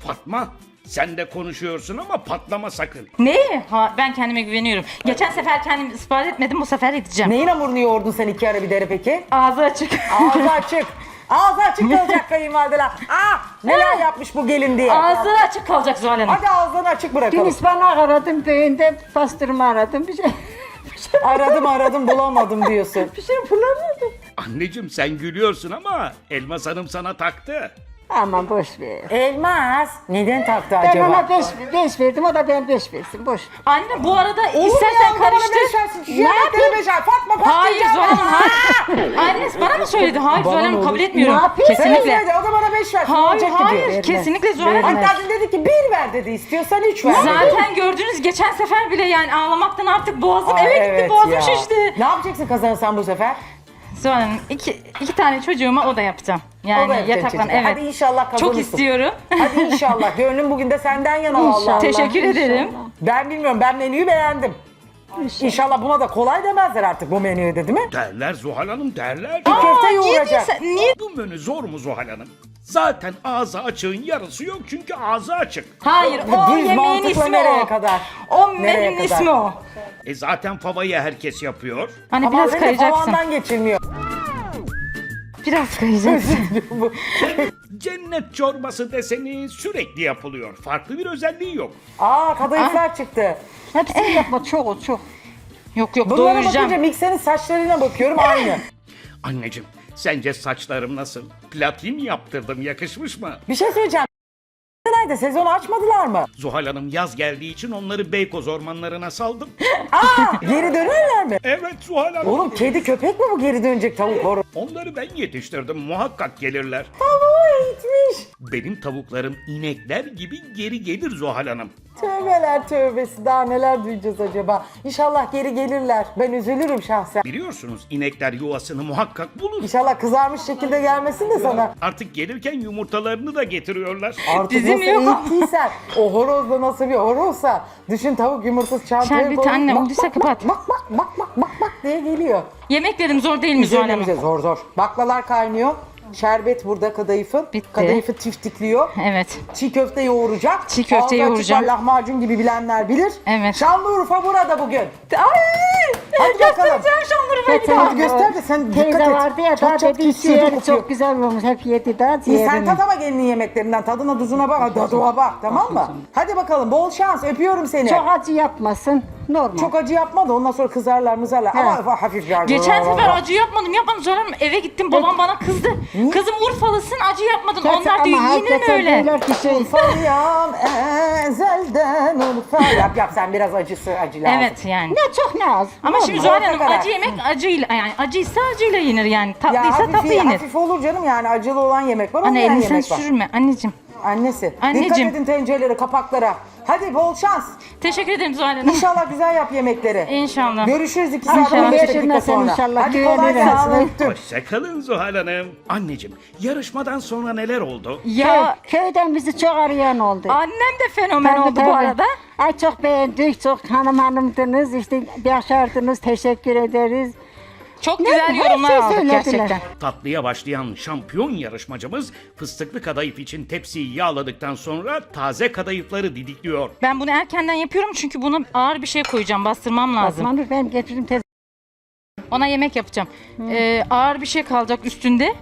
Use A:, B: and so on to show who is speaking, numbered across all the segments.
A: Fatma, sen de konuşuyorsun ama patlama sakın.
B: Ne? Ha, ben kendime güveniyorum. Geçen sefer kendimi ispat etmedim, bu sefer edeceğim.
C: Neyin hamurunu yoğurdun sen 2 ara bir dere peki?
B: Ağzı açık.
C: Ağzı açık. Ağzı açık kalacak kayınvalideler. Neler yapmış bu gelin diye.
B: Ağzı açık kalacak Zuhal Hanım.
C: Hadi ağzını açık
D: Dün
C: bırakalım.
D: ıspanak aradım, düğünde pastırma aradım. Bir şey
C: Aradım bulamadım diyorsun.
D: bulamadım.
A: Anneciğim sen gülüyorsun ama Elmas Hanım sana taktı.
D: Aman boş ver.
C: Elmas neden taktı
D: Ben
C: acaba?
D: ona 5 verdim, o da ben 5 versin. Boş.
B: Anne bu arada
C: Olur mu
B: istersen
C: ya? Bana beş
B: karıştır.
C: versin. Yemekleri 5 ver. Fatma
B: Hayır
C: patlayacağım.
B: Zuhal Hanım, hayır. Annesi bana mı söyledi? Hayır
C: Bana
B: Zuhal
C: ne
B: Hanım
C: olur?
B: kabul etmiyorum.
D: Ne yapayım?
C: Sen
B: Kesinlikle.
C: söyle, o da bana 5 versin.
B: Hayır
C: olacak gibi.
B: hayır
D: Vermez.
B: kesinlikle Zuhal Hanım.
D: Vermez.
C: Hatta dün dedi ki 1 ver dedi. İstiyorsan 3 ver.
B: Zaten gördünüz geçen sefer bile yani ağlamaktan artık boğazım
C: Ay,
B: eve gitti,
C: evet
B: boğazım
C: ya.
B: şişti.
C: Ne yapacaksın kazanırsan bu sefer?
B: Zuhal Hanım iki tane çocuğuma o da yapacağım. Yani
C: O da yapacaksın
B: yataklan
C: çocuğa.
B: evet.
C: Hadi inşallah kazanırsın.
B: Çok istiyorum.
C: Hadi inşallah. Gönlüm bugün de senden yana vallahi.
B: Teşekkür ederim.
C: Ben bilmiyorum. Ben menüyü beğendim. İnşallah buna da kolay demezler artık bu menüyü de değil mi?
A: Derler Zuhal Hanım derler.
C: Köfte
B: Niye
C: yoğuracak.
B: diyorsun? Niye?
A: Bu menü zor mu Zuhal Hanım? Zaten ağzı açığın yarısı yok çünkü ağzı açık.
B: Hayır
C: Bu
B: o
C: düz
B: yemeğin
C: mantıkla
B: ismi
C: nereye
B: o.
C: kadar?
B: O
C: Nereye
B: menünün
C: kadar?
B: ismi o.
A: Zaten favayı herkes yapıyor.
B: Hani
C: Ama
B: biraz
C: biraz
B: kayacaksın.
C: tavandan geçilmiyor.
B: Biraz kayacaksın.
A: Cennet çorbası deseni sürekli yapılıyor. Farklı bir özelliği yok.
C: Kadayıflar çıktı.
D: Hepsini yapma, çok çok.
B: Yok yok
C: Bunlara
B: doyuracağım.
C: bakınca mikserin saçlarına bakıyorum aynı.
A: Anneciğim, sence saçlarım nasıl? Platin yaptırdım, yakışmış mı?
C: Bir şey söyleyeceğim. Nerede? Sezonu açmadılar mı?
A: Zuhal Hanım yaz geldiği için onları Beykoz ormanlarına saldım.
C: Geri dönerler mi?
A: Evet Zuhal Hanım.
C: Oğlum kedi köpek mi bu geri dönecek tavuk horoz?
A: Onları ben yetiştirdim, muhakkak gelirler.
C: Tavuğu eğitmiş.
A: Benim tavuklarım inekler gibi geri gelir Zuhal Hanım.
C: Tövbeler tövbesi, daha neler duyacağız acaba? İnşallah geri gelirler. Ben üzülürüm şahsen.
A: Biliyorsunuz inekler yuvasını muhakkak bulur.
C: İnşallah kızarmış şekilde gelmesin de sana.
A: Artık gelirken yumurtalarını da getiriyorlar.
C: Artık
B: Bizim
C: nasıl
B: yok.
C: eğittiysen, o horoz da nasıl bir horozsa, düşün tavuk yumurtası çantaya
B: Şerbeti
C: koyup
B: anne,
C: bak,
B: olduysa
C: bak,
B: kapat.
C: Bak bak bak bak bak bak diye geliyor.
B: Yemeklerim zor değil mi Zuhal
C: Üzerine
B: Hanım?
C: bize zor zor. Baklalar kaynıyor. Şerbet burada kadayıfın.
B: Bitti.
C: Kadayıfı tiftikliyor.
B: Evet.
C: Çiğ köfte yoğuracak.
B: Çiğ köfte
C: Ağzı açık
B: yoğuracağım.
C: var, lahmacun gibi bilenler bilir.
B: Evet.
C: Şanlıurfa burada bugün.
B: Ay!
C: Hadi bakalım.
B: Göstereceğim Şanlıurfa'yı bir daha.
C: Hadi göster de sen dikkat
D: Teyze
C: et.
D: vardı ya,
C: Çat
D: daha
C: çat
D: dedi
C: kesiyordu,
D: ciğeri
C: kokuyor.
D: çok güzel olmuş. Hep yedi daha
C: İyi, sen
D: ciğerini.
C: tat ama gelinin yemeklerinden. Tadına tuzuna bak. Tadına bak, tamam mı? Hadi bakalım, bol şans. Öpüyorum seni.
D: Çok acı yapmasın. Normal.
C: Çok acı yapma da ondan sonra kızarlar mızarlar. Ama hafif bir acı.
B: Geçen sefer acı yapmadım Zuhal Hanım. Eve gittim babam bana kızdı. Kızım Urfalısın acı yapmadın. Onlar diyor yine mi öyle?
C: Urfalıyam ezelden Urfa. Yap sen biraz acı lazım.
B: Evet yani.
D: Ne çok ne az.
B: Ama
D: Normal.
B: şimdi Zuhal Hanım
C: Orta karar.
B: acı yemek acıyla yani acıysa acıyla yenir yani.
C: Ya
B: Tatlıysa tatlı yenir.
C: hafif olur canım, yani acılı olan yemek var,
B: Anne
C: olmayan
B: elini sen
C: yemek var.
B: sürme anneciğim.
C: Annesi.
B: Anneciğim.
C: Dikkat edin tencerelere, kapaklara. Hadi bol şans.
B: Teşekkür ederim Zuhal Hanım.
C: İnşallah güzel yap yemekleri.
B: İnşallah.
C: Görüşürüz 2
D: İnşallah.
C: saat 15 dakika
D: Geçirmezsen
C: sonra.
D: inşallah.
C: Hadi kolay
D: Güvenirim.
C: gelsin, öptüm.
A: Hoşçakalın Zuhal Hanım. Anneciğim, yarışmadan sonra neler oldu?
B: Ya
D: Köyden bizi çok arayan oldu.
B: annem de fenomen
D: Tabii,
B: oldu bu
D: tabii.
B: arada.
D: Ay çok beğendik, çok hanımdınız, işte başardınız, teşekkür ederiz.
B: Çok
D: Ne-
B: güzel
D: her
B: yorumlar
D: şey
B: aldık
D: söylediler.
B: gerçekten.
A: Tatlıya başlayan şampiyon yarışmacımız fıstıklı kadayıf için tepsiyi yağladıktan sonra taze kadayıfları didikliyor.
B: Ben bunu erkenden yapıyorum çünkü buna ağır bir şey koyacağım, bastırmam lazım.
D: Osmanur ben getiririm tez.
B: Ona yemek yapacağım. Ağır bir şey kalacak üstünde.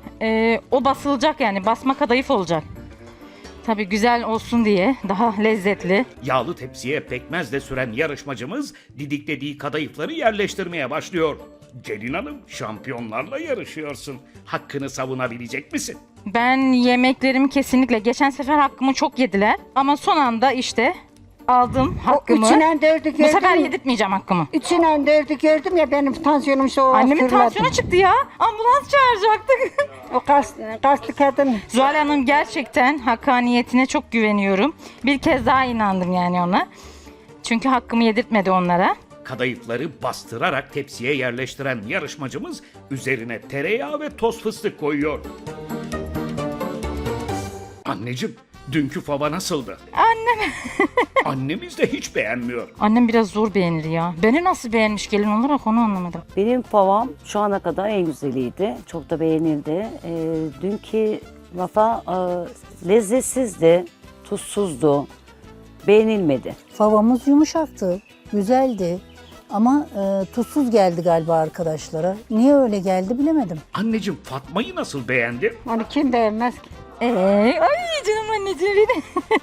B: O basılacak yani basma kadayıf olacak. Tabii güzel olsun diye daha lezzetli.
A: Yağlı tepsiye pekmezle süren yarışmacımız didiklediği kadayıfları yerleştirmeye başlıyor. Gelin Hanım, şampiyonlarla yarışıyorsun. Hakkını savunabilecek misin?
B: Ben yemeklerimi kesinlikle geçen sefer hakkımı çok yediler ama son anda işte aldım hakkımı.
D: Üçünden dördü
B: Bu
D: gördüm.
B: sefer yedirtmeyeceğim hakkımı.
D: Üçünden dördü gördüm ya, benim tansiyonum şu
B: Annemin
D: fırladı.
B: tansiyonu çıktı ya. Ambulans çağıracaktık.
D: O kaslı kadın.
B: Zuhal Hanım gerçekten hakkaniyetine çok güveniyorum. Bir kez daha inandım yani ona. Çünkü hakkımı yedirtmedi onlara.
A: Kadayıfları bastırarak tepsiye yerleştiren yarışmacımız üzerine tereyağı ve toz fıstık koyuyor. Anneciğim, dünkü fava nasıldı?
B: Annem.
A: Annemiz de hiç beğenmiyor.
B: Annem biraz zor beğenir ya. Beni nasıl beğenmiş gelin olarak onu anlamadım.
E: Benim favam şu ana kadar en güzeliydi. Çok da beğenildi. Dünkü vafa lezzetsizdi. tuzsuzdu. Beğenilmedi.
F: Favamız yumuşaktı, güzeldi. Ama tuzsuz geldi galiba arkadaşlara. Niye öyle geldi bilemedim.
A: Anneciğim Fatma'yı nasıl beğendin?
D: Onu kim beğenmez ki?
B: Ay canım anneciğim benim.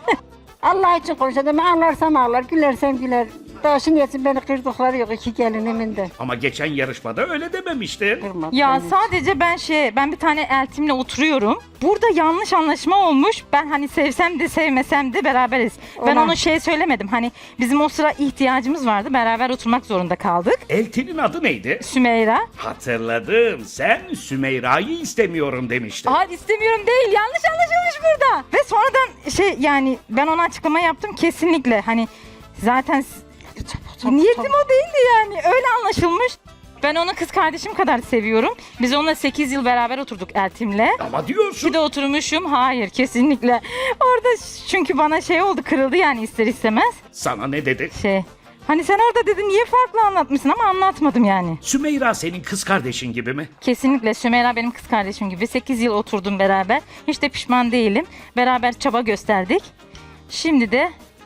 D: Allah için konuşalım. Ağlarsam ağlar, gülersem güler. Daha şimdi yesin beni kırdıkları yok iki gelinimin de.
A: Ama geçen yarışmada öyle dememiştin.
D: Kırmadı
B: Ya
D: beni.
B: sadece ben bir tane eltimle oturuyorum. Burada yanlış anlaşma olmuş. Ben hani sevsem de sevmesem de beraberiz. Ben
D: Olan.
B: onu söylemedim. Hani bizim o sıra ihtiyacımız vardı. Beraber oturmak zorunda kaldık.
A: Eltinin adı neydi?
B: Sümeyra.
A: Hatırladım. Sen Sümeyra'yı istemiyorum demiştin.
B: Hayır istemiyorum değil. Yanlış anlaşılmış burada. Ve sonradan yani ben ona açıklama yaptım kesinlikle. Hani zaten niyetim o değildi yani. Öyle anlaşılmış. Ben onu kız kardeşim kadar seviyorum. Biz onunla 8 yıl beraber oturduk Eltim'le.
A: Ama diyorsun.
B: Bir de oturmuşum. Hayır kesinlikle. Orada çünkü bana oldu kırıldı yani ister istemez.
A: Sana ne dedi?
B: Hani sen orada dedin niye farklı anlatmışsın ama anlatmadım yani.
A: Sümeyra senin kız kardeşin gibi mi?
B: Kesinlikle Sümeyra benim kız kardeşim gibi. 8 yıl oturdum beraber. Hiç de pişman değilim. Beraber çaba gösterdik. Şimdi de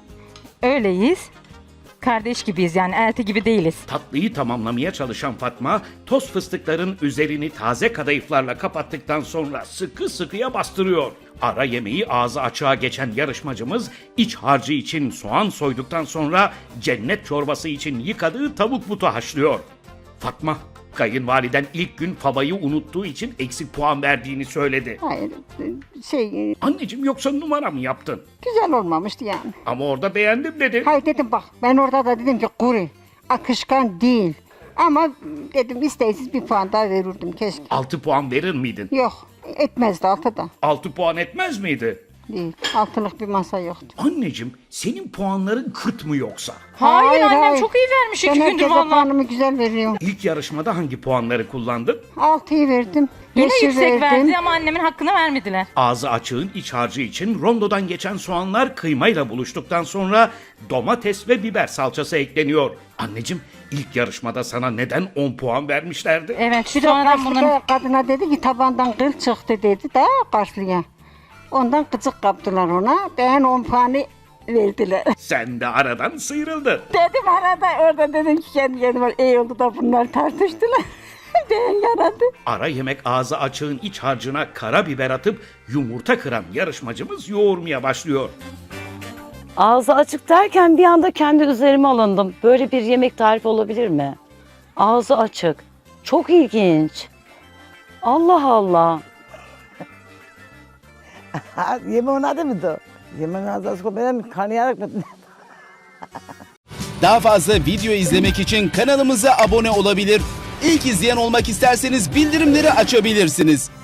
B: öyleyiz. Kardeş gibiyiz yani elti gibi değiliz.
A: Tatlıyı tamamlamaya çalışan Fatma, toz fıstıkların üzerini taze kadayıflarla kapattıktan sonra sıkı sıkıya bastırıyor. Ara yemeği ağzı açığa geçen yarışmacımız iç harcı için soğan soyduktan sonra cennet çorbası için yıkadığı tavuk butu haşlıyor. Fatma, kayınvaliden ilk gün favayı unuttuğu için eksik puan verdiğini söyledi.
D: Hayır,
A: Anneciğim yoksa numara mı yaptın?
D: güzel olmamıştı yani.
A: Ama orada beğendim dedi.
D: Hayır dedim bak, ben orada da dedim ki kuru, akışkan değil. Ama dedim isteksiz bir puan daha verirdim keşke.
A: 6 puan verir miydin?
D: Yok, etmezdi altıda.
A: 6 puan etmez miydi?
D: Değil, altılık bir masa yoktu.
A: Anneciğim senin puanların kıt mı yoksa?
B: Hayır annem çok iyi vermiş 2
D: Ben
B: gündür
D: herkese
B: valla.
D: puanımı güzel veriyorum.
A: İlk yarışmada hangi puanları kullandın?
D: 6'yı verdim.
B: Yine
D: 5'i
B: yüksek
D: verdim.
B: verdi ama annemin hakkını vermediler.
A: Ağzı açığın iç harcı için rondodan geçen soğanlar kıymayla buluştuktan sonra domates ve biber salçası ekleniyor. Anneciğim ilk yarışmada sana neden 10 puan vermişlerdi?
B: Evet
D: Bir de
B: sonradan bunların...
D: karşıda kadına dedi ki tabandan kıl çıktı dedi daha karşıya. Ondan gıcık kaptılar ona. Ben 10 puanı verdiler.
A: Sen de aradan sıyrıldın.
D: Dedim arada orada dedim ki kendi kendime iyi oldu da bunlar tartıştılar. Ben yaradı.
A: Ara yemek ağzı açığın iç harcına karabiber atıp yumurta kıran yarışmacımız yoğurmaya başlıyor.
E: Ağzı açık derken bir anda kendi üzerime alındım. Böyle bir yemek tarifi olabilir mi? Ağzı açık. Çok ilginç. Allah Allah.
G: Yemeğin adı mıydı? Yemeğin adı benim kanayarak mı?
H: Daha fazla video izlemek için kanalımıza abone olabilir. İlk izleyen olmak isterseniz bildirimleri açabilirsiniz.